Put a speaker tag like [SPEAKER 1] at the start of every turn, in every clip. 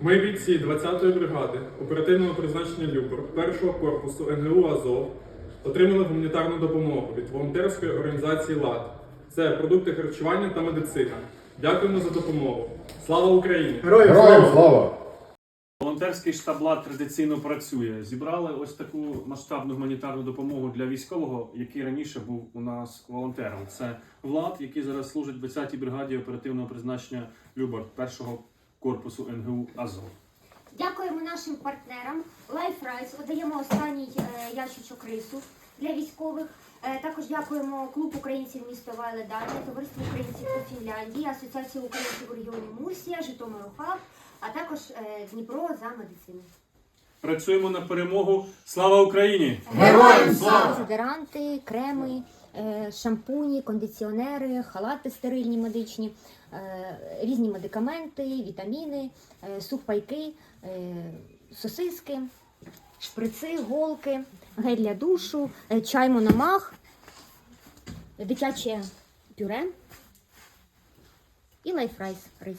[SPEAKER 1] Ми бійці 20-ї бригади оперативного призначення «Любор» 1-го корпусу НГУ «Азов» отримали гуманітарну допомогу від волонтерської організації «ЛАД». Це продукти харчування та медицина. Дякуємо за допомогу. Слава Україні!
[SPEAKER 2] Героям слава!
[SPEAKER 3] Волонтерський штаб «ЛАД» традиційно працює. Зібрали ось таку масштабну гуманітарну допомогу для військового, який раніше був у нас волонтером. Це Влад, який зараз служить в 20-й бригаді оперативного призначення «Любор» 1-го корпусу НГУ «Азов».
[SPEAKER 4] Дякуємо нашим партнерам. LifeRice, видаємо останній ящичок рису для військових. Також дякуємо клуб українців міста Вайледані, Товариство українців у Фінляндії, Асоціацію українців у регіоні Мурсія, Житомир-Хаб, а також Дніпро за медицину.
[SPEAKER 3] Працюємо на перемогу. Слава Україні!
[SPEAKER 2] Героям слава!
[SPEAKER 4] Дезодоранти, креми, шампуні, кондиціонери, халати стерильні медичні, різні медикаменти, вітаміни, сухпайки, сосиски, шприци, голки, гель для душу, чай Мономах, дитяче пюре і LifeRice рис.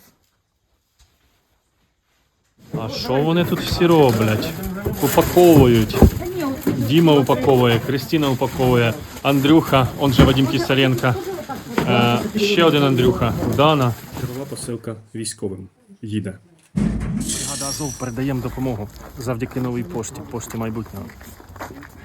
[SPEAKER 5] А що вони тут всі роблять? Упаковують. Діма упаковує, Кристина упаковує, Андрюха, он же Вадим Кисаренко, ще один Андрюха, Дана. Чергова посилка військовим їде. Бригада Азов передаємо допомогу завдяки новій пошті майбутнього.